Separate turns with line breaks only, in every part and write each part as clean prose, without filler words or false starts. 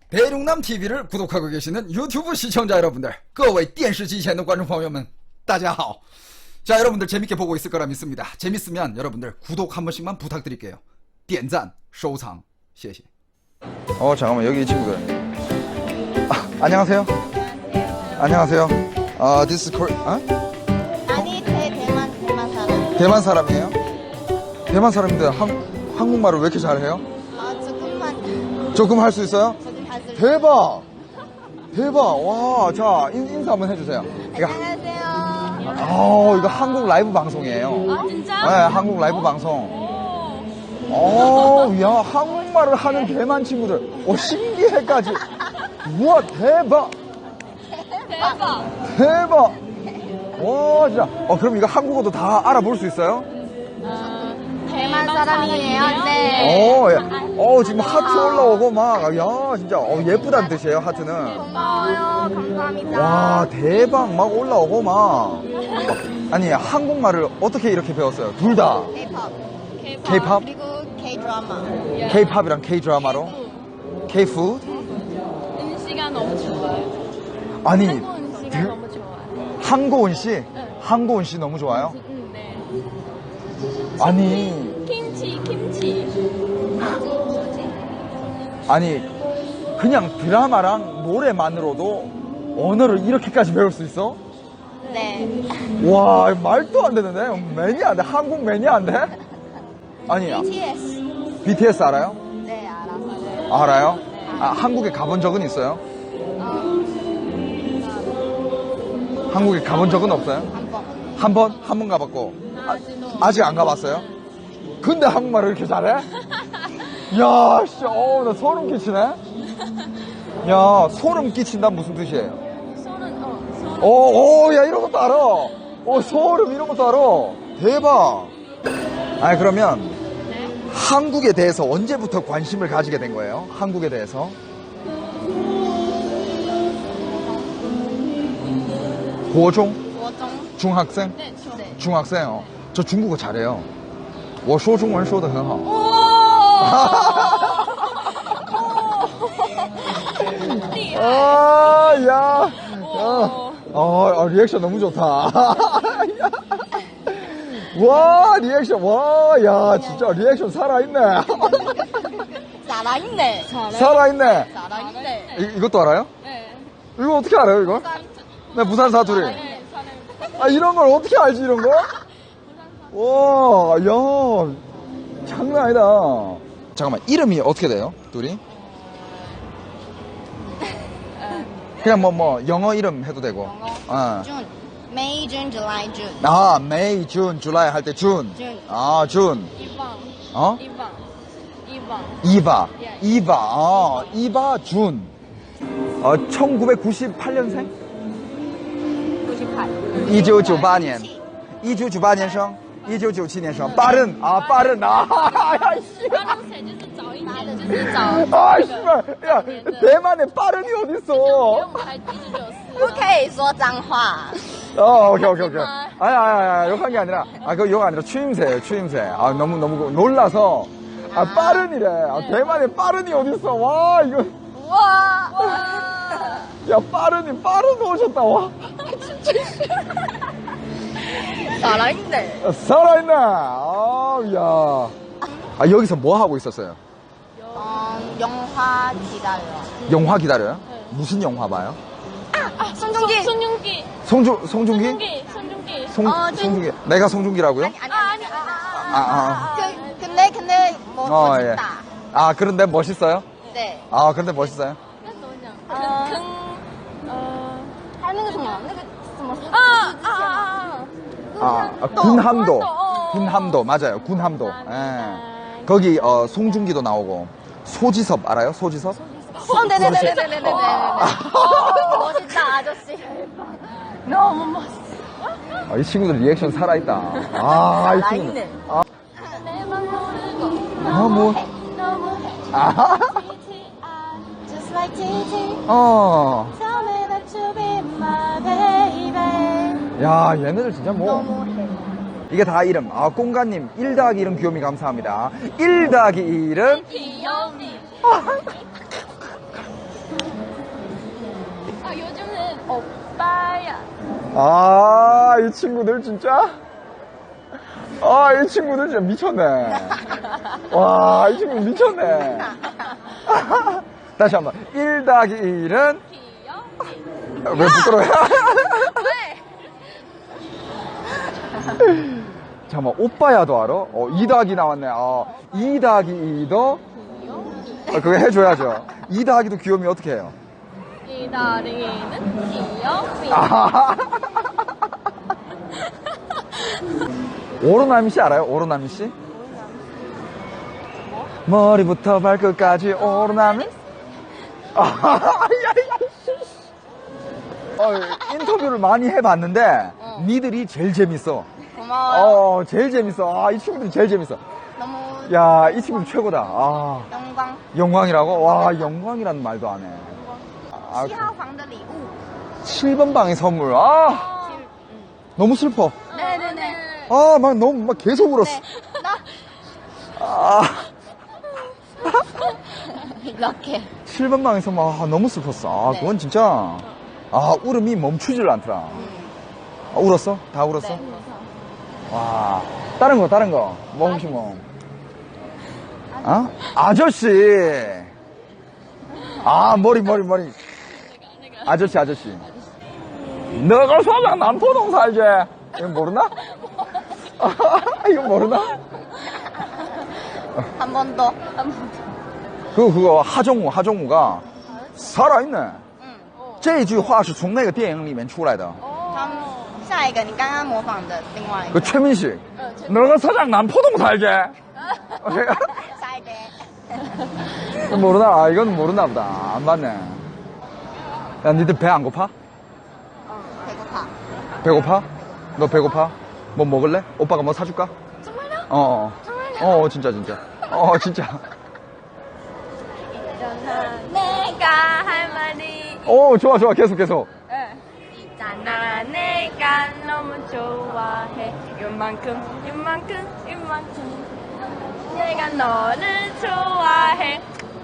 대륙남 TV를 구독하고 계시는 유튜브 시청자 여러분들, 各位电视机前的观众朋友们大家好. 자, 여러분들 재밌게 보고 있을 거라 믿습니다. 재밌으면 여러분들 구독 한 번씩만 부탁드릴게요. 点赞收藏谢谢. 잠깐만, 여기 이 친구들. 안녕하세요. 안녕하세요. this is Korea.
아니, 대만 사람.
대만 사람이에요? 대만 사람인데 한국말을 왜 이렇게 잘해요?
조금만.
조금 할 수 있어요?
조금 할수 있어요.
대박! 대박! 와, 자, 인사 한번 해주세요.
안녕하세요.
이거 한국 라이브 방송이에요.
아, 진짜?
네, 한국 라이브 방송. 야, 한국말을 하는 대만 친구들. 신기해까지. 우와, 대박! 대박! 와, 진짜. 그럼 이거 한국어도 다 알아볼 수 있어요?
대만 사람이에요. 네.
지금 하트 올라오고 막, 야, 진짜, 예쁘다는 뜻이에요, 하트는.
고마워요. 감사합니다.
와, 대박, 막 올라오고 막. 아니, 한국말을 어떻게 이렇게 배웠어요? 둘 다. K-pop?
그리고 K-드라마.
K-팝이랑 K-드라마로? K-푸드?
음식이 너무 좋아요.
아니,
한국 음식이 너무 좋아요.
한고은 씨? 한고은 씨 너무 좋아요?
네.
아니,
김치.
아니, 그냥 드라마랑 노래만으로도 언어를 이렇게까지 배울 수 있어?
네.
와, 말도 안 되는데? 매니아 안 돼? 한국 매니아 안 돼? 아니,
BTS.
BTS 알아요?
네, 알았어요.
알아요? 한국에 가본 적은 있어요? 한국에 가본 적은 없어요?
한 번.
한 번? 한 번 가봤고. 아직 안 가봤어요? 근데 한국말을 이렇게 잘해? 야, 씨, 나 소름 끼치네? 야, 소름 끼친다 무슨 뜻이에요?
소는
야, 이런 것도 알아. 소름 이런 것도 알아. 대박. 아니, 그러면 한국에 대해서 언제부터 관심을 가지게 된 거예요? 한국에 대해서? 고중? 중학생?
네,
중학생. 저 중국어 잘해요. 我说中文说得很好. 야. 리액션 너무 좋다. 와, 리액션. 와, 야, 진짜 리액션 살아있네.
살아있네.
살아있네.
살아있네.
이것도 알아요?
네.
이거 어떻게 알아요, 이거? 네, 부산 사투리.
네, 저는
이런 걸 어떻게 알지, 이런 거? 와, 야, 장난 아니다. 잠깐만, 이름이 어떻게 돼요, 둘이? 그냥 영어 이름 해도 되고.
준. May, June, July, June.
May, June, July 할 때 준.
준.
준.
이방.
이바, 준. 1998년생?
98.
1998년. 1998年生 1997年生 빠른. 빠른. 야, 씨.
就是早一点，就是早。
씨발. 야, 대만에 빠른이 어딨어?
不可以说脏话。
오케이. 아니, 욕한 게 아니라, 그거 욕 아니라 추임새예요, 추임새. 너무 놀라서. 빠른이래. 대만에 빠른이 어딨어. 와, 이거.
와.
야, 빠른 오셨다, 와.
살아있네.
살아있네. 야. 여기서 뭐 하고 있었어요?
영화 기다려.
영화 기다려요? 무슨 영화 봐요?
손종기.
송중기? 송중기. 내가 송중기라고요?
아니. 근데 멋있다.
그런데 멋있어요?
네.
그런데 멋있어요?
하는 거 정말
군함도 맞아요. 군함도. 예. 거기 송중기도 나오고. 소지섭 알아요? 소지섭?
네네네네네네. 멋있다 아저씨. 너무 멋있어.
이 친구들 리액션 살아있다. 이 친구들. 뭐.
Just like TT. Tell me that you be my baby.
야, 얘네들 진짜 뭐.
너무해.
이게 다 이름. 꽁가님, 1 더하기 1은 귀요미 감사합니다. 1 더하기 1은
귀요미. 요즘은 오빠야.
아, 이 친구들 진짜? 아, 이 친구들 진짜 미쳤네. 와, 이 친구들 미쳤네. 다시 한 번. 1 더하기 1은?
귀여워.
왜 부끄러워요?
왜?
잠깐만, 오빠야도 알아? 2 더하기 나왔네. 2 더하기 2도? 그거 해줘야죠. 2 더하기도 귀요미 어떻게 해요?
기다리는 귀여미.
아. 오로나미 씨 알아요? 오로나미 씨? 머리부터 발끝까지 오로나미? 인터뷰를 많이 해봤는데 니들이 제일 재밌어.
고마워요.
제일 재밌어. 이 친구들이 제일 재밌어.
너무
야, 이 친구들 최고다.
영광.
영광이라고? 와, 영광이라는 말도 안 해.
7号房的礼物。
7번 방의 선물. 너무 슬퍼.
네네네.
막 계속 울었어.
이렇게.
7번 방의 선물. 너무 슬펐어. 그건 진짜. 울음이 멈추질 않더라. 울었어? 다 울었어?
네.
와, 다른 거. 뭐 혹시 뭐? 아저씨. 머리. 아저씨. 너가 서장 남포동 살지? 이거 모르나? 이거 모르나?
한 번 더.
그거 하정우가 살아있네. 这句话是从那个电影里面出来的。
他们下一个你刚刚模仿的另外一
그
个。
최민식. 너가 서장 남포동 살지?
下一个。
이건 모르나? 이건 모르나 보다. 안 봤네. 야, 니들 배 안 고파?
배고파.
배고파? 너 배고파? 뭐 먹을래? 오빠가 뭐 사줄까?
정말요?
정말요? 진짜. 진짜.
내가 할 말이
좋아. 계속.
있잖아. 내가 너무 좋아해. 이만큼. 내가 너를 좋아해.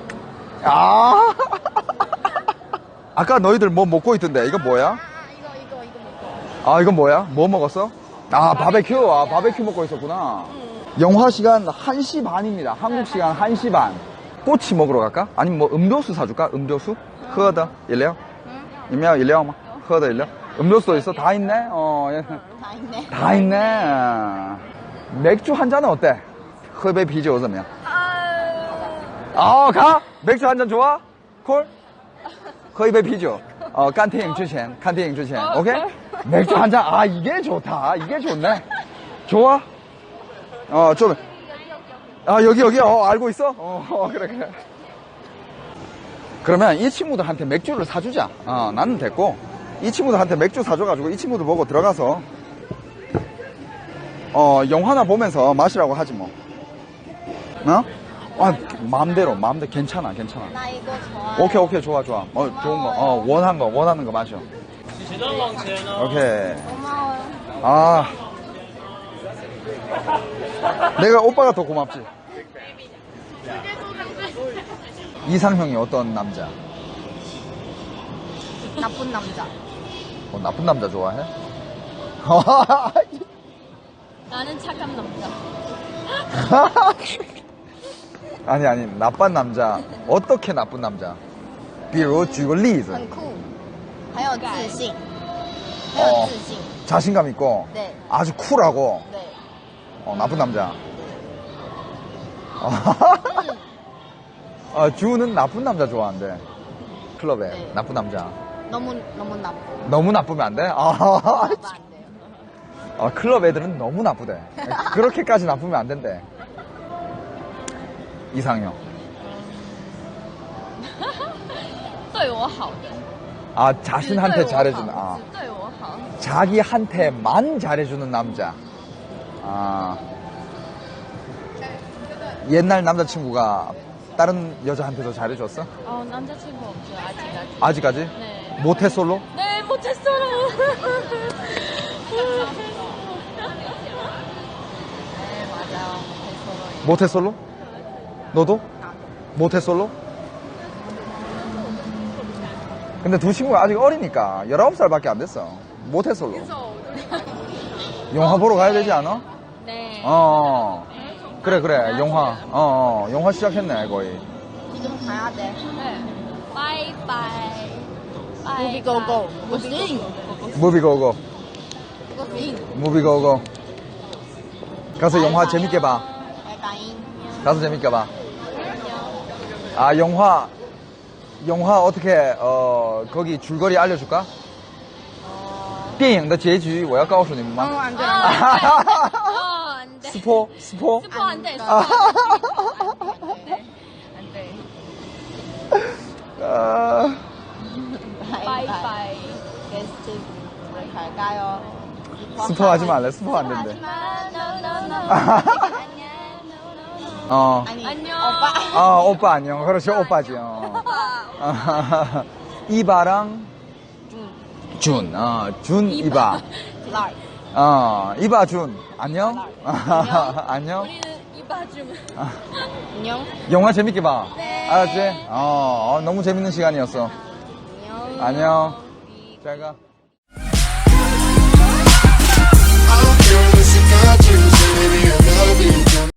아까 너희들 뭐 먹고 있던데. 이거 뭐야?
이거 먹고.
이건 뭐야? 뭐 먹었어? 바베큐. 바베큐 먹고 있었구나. 영화 시간 1시 반입니다. 한국 시간 1시 반. 꼬치 먹으러 갈까? 아니면 뭐 음료수 사줄까? 음료수? 喝的 饮料? 饮料吗? 喝的饮料? 음료수도 있어? 다 있네?
다 있네.
다 있네. 맥주 한 잔은 어때? 喝杯啤酒怎么样? 가? 맥주 한 잔 좋아? 콜? 喝一杯啤酒. 看电影之前. 오케이? 맥주 한 잔. 이게 좋다. 이게 좋네. 좋아? 좀. 여기. 알고 있어? 그래. 그러면 이 친구들한테 맥주를 사주자. 나는 됐고. 이 친구들한테 맥주 사줘가지고 이 친구들 보고 들어가서, 영화나 보면서 마시라고 하지 뭐. 마음대로. 괜찮아.
나 이거 좋아.
오케이. 좋아. 좋은 거. 원하는 거 마셔. 오케이.
고마워요.
내가 오빠가 더 고맙지. 이상형이 어떤 남자?
나쁜 남자.
나쁜 남자 좋아해?
나는 착한 남자.
아니, 나쁜 남자. 어떻게 나쁜 남자? 比如举个例子
很酷，很有自信，很有自信。
자신감 있고
네.
아주 쿨하고
네.
나쁜 남자. 주는 나쁜 남자 좋아한대. 클럽에
네.
나쁜 남자.
너무 나쁘고.
너무 나쁘면 안 돼?
안 돼요.
클럽 애들은 너무 나쁘대. 그렇게까지 나쁘면 안 된대. 이상형.
对我好的。
자신한테 잘해주는.
只对我好。
자기한테만 잘해주는 남자. 옛날 남자친구가 다른 여자한테도 잘해줬어?
남자친구 없죠, 아직까지.
아직까지?
네.
모태솔로?
네, 못했어요.
네 맞아요.
모태솔로? 너도? 모태솔로? 근데 두 친구가 아직 어리니까 19살밖에 안 됐어. 모태솔로. 영화 보러 가야 되지 않아?
네.
그래 영화. 영화 시작했네 거의.
지금 가야 돼.
네. 바이바이.
무비 고고. 무빙.
무비 고고.
무빙.
무비 고고. 가서 영화 재밌게 봐.
바이바이.
가서 재밌게 봐. 아 영화 어떻게 거기 줄거리 알려줄까? 电影的结局我要告诉你们吗？
안 돼.
안 돼.
스포?
스포 안 돼. 스포
아.
안 돼.
아,
바이바이.
게스트 잘 가요.
스포하지 말래. 스포 안 된대.
아니,
안녕.
오빠.
오빠 안녕. 그렇지, 오빠지. 이바랑 준. 준 이바.
라이.
이바 준. 안녕. 안녕.
우리는 이봐줌.
안녕.
영화 재밌게 봐.
네.
알았지? 너무 재밌는 시간이었어.
안녕.
안녕. 잘 가.